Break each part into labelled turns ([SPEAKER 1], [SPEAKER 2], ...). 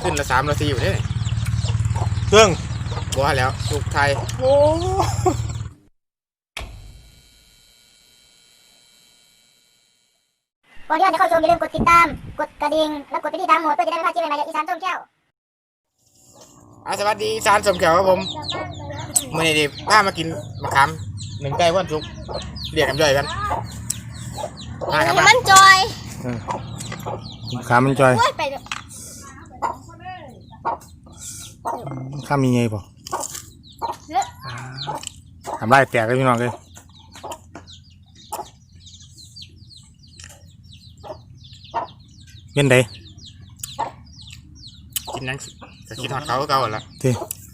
[SPEAKER 1] ขึ้นละ3 ละ 4อยู่เนี่ย
[SPEAKER 2] เครื่อง
[SPEAKER 1] บัวแล้วสุกไทย
[SPEAKER 2] โอ้
[SPEAKER 3] ก่อนที่จะเข้าชมอย่าลืมกดติดตามกดกระดิ่งและกดไปที่ตามโหมดเพื่อจะได้ไม่พลาดคลิปใหม่ๆจากอีสานส้มแก้ว
[SPEAKER 1] สวัสดีอีสานสมแขวครับผมมื่อนี้ดิพามากินมะขาม1 ไก่วันสุกเรียกกันย่อยกันมาครับมา
[SPEAKER 4] มันจอย
[SPEAKER 2] ขามันจอย
[SPEAKER 4] ไป
[SPEAKER 2] ข้ามีไงป่ะทำได้แตกเลยพี่น้องเลยเป็นไง
[SPEAKER 1] กินนั่งจะกินทอดเขาก็เก่าละ
[SPEAKER 2] ที่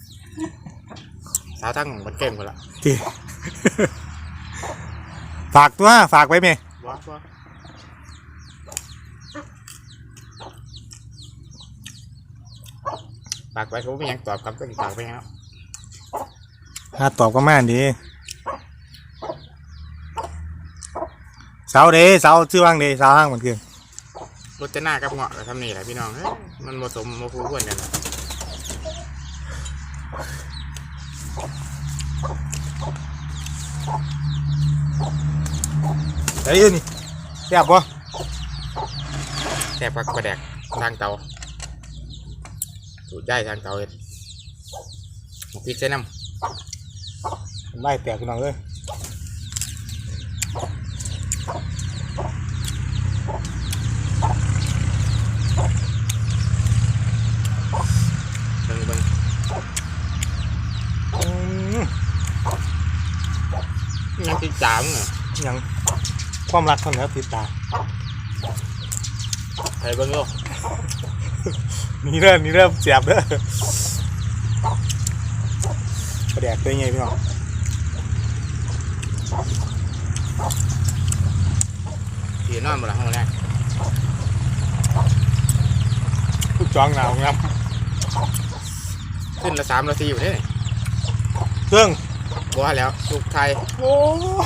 [SPEAKER 1] สาวทั้งมันเก่งหมดละ
[SPEAKER 2] ที่ ฝากตัวฝากไว้ไหม
[SPEAKER 1] ว้าปากไว้เขาไม่ยังตอบคำต้องตอบไปครับ
[SPEAKER 2] ถ้าตอบก็แม่นดีเสาเดเสาชื่อว่างเดเสาห้างเหมือนกัน
[SPEAKER 1] รถจะหน้ากับเงาะกับทำนี่แหละพี่น้องมันผสมมาคู่กันนะ
[SPEAKER 2] ไอ้ยืนนี่แซ่บปะ
[SPEAKER 1] แซ่บผักกระแดกทางเตาสูตรได้ทางเตาเห็ดพริกใส่น้
[SPEAKER 2] ำได้แตกพี่น้องเลย
[SPEAKER 1] เบิ่งยังติดจามเนี่ย
[SPEAKER 2] ยังความรักคนแล้วติดตา
[SPEAKER 1] ใส่เบิ่งโลก
[SPEAKER 2] นี่เริ่มเสียบเด้อกระแดกเป็นไงพี่น้อง
[SPEAKER 1] ขี่นอนหมดละห้องแรก
[SPEAKER 2] ผู้จองหนาวงับ
[SPEAKER 1] ขึ้นละ3 ละ 4อยู่เนี่ย
[SPEAKER 2] เครื่อง
[SPEAKER 1] บัวแล้วสุกไทย
[SPEAKER 2] โอ้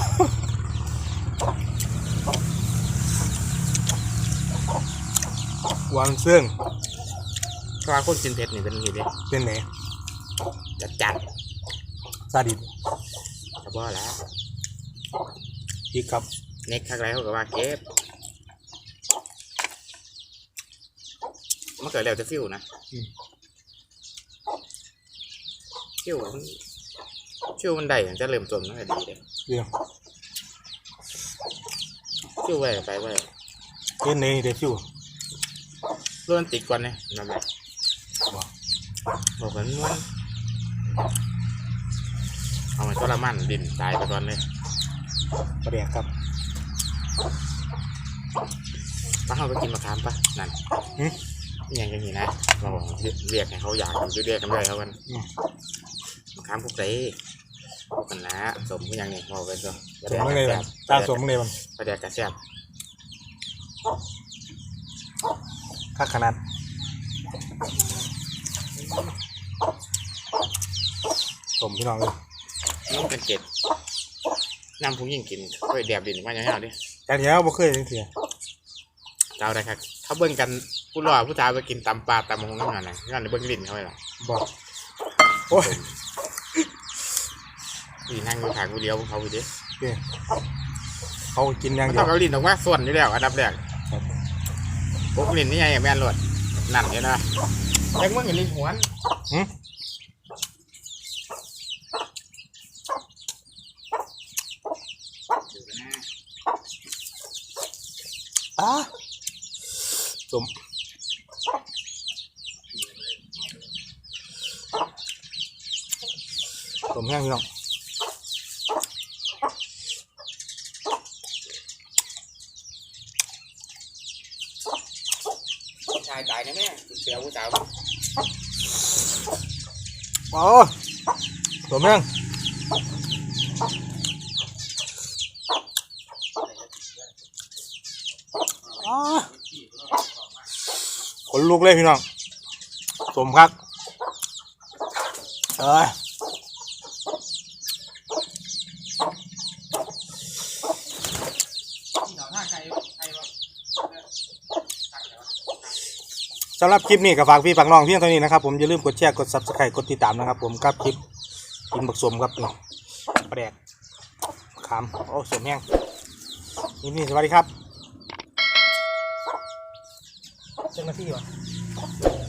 [SPEAKER 2] วางเสื่อง
[SPEAKER 1] เพราะว่าคนกินเผ็ดนี่เป็นอย่างนี้เลย
[SPEAKER 2] เป็นไหน
[SPEAKER 1] จัด
[SPEAKER 2] ซาดิส
[SPEAKER 1] กระบัวแล้ว
[SPEAKER 2] อีกครับ
[SPEAKER 1] เน็กทักไรเขาก็ว่าเก็บมันเกิดแล้วจะฟิวนะฟิวมันได้อย่างจะเริ่มต้นมันก็ดีเลย
[SPEAKER 2] เดี๋ยว
[SPEAKER 1] ฟิวไว้ไปไว้
[SPEAKER 2] เป็นไหนเดี๋ยวฟิว
[SPEAKER 1] เลื่อนติดก่อนเนี่ยนั่นแหละบอกกันว่าเอามันก็ละมันดินตายไปก่อนเลย
[SPEAKER 2] กระแดกครับ
[SPEAKER 1] ป้าเขาไปกินมะขามปะนั่นอย่างนี้นะเราเรียกให้เขาอยากอยู่เรียกกันเลยเขากันมะขามพวกไหนพวกกันนะสมอย่างนี้บอกไปซะ
[SPEAKER 2] สมเลยตาสมเลยมัน
[SPEAKER 1] ประเดี๋ยวกระแซบ
[SPEAKER 2] ค่าขนาดสมพี่น้องเลย
[SPEAKER 1] น้องเป็นเกล็ดน้ำพุงยิ่งกินค่อยแดบดินมาอย่างๆดิ
[SPEAKER 2] แต่เดี๋ยวบ่เคยเสีย
[SPEAKER 1] เจ้าได้ครับเขาเบิ่งกันผู้รอผู้ชายไปกินตำปลาตำหงน้ำหนักไหนงั้นเบิ่งลิ้นเขาเลยล่ะ
[SPEAKER 2] บอกโอ้ย
[SPEAKER 1] นี่นั่งอยู่ขางกูเดียวเขาไปดิ
[SPEAKER 2] เขากินอย่างเดียว
[SPEAKER 1] เขาลิ้นออกมาส่วนอยู่แล้วอันดับแรกพวกลิ้นนี่ไงแม่นหลวดนั่นเนี่ยนะยังมึงลิ้นหัว
[SPEAKER 2] สมแห้งพี่น้อง
[SPEAKER 1] ชายตายนะแม่เสียวผู้สาว
[SPEAKER 2] โอ้สมแห้งขนลุกเลยพี่น้องสมครับสำหรับคลิปนี้ก็ฝากพี่ฝากน้องเพียงเท่านี้นะครับผมอย่าลืมกดแชร์กด Subscribe กดติดตามนะครับผมกับคลิปกินบักสมครับนี่ปลาแดกขามโอ้สมแห้งนี่สวัสดีครับเจ้าหน้าที่วะ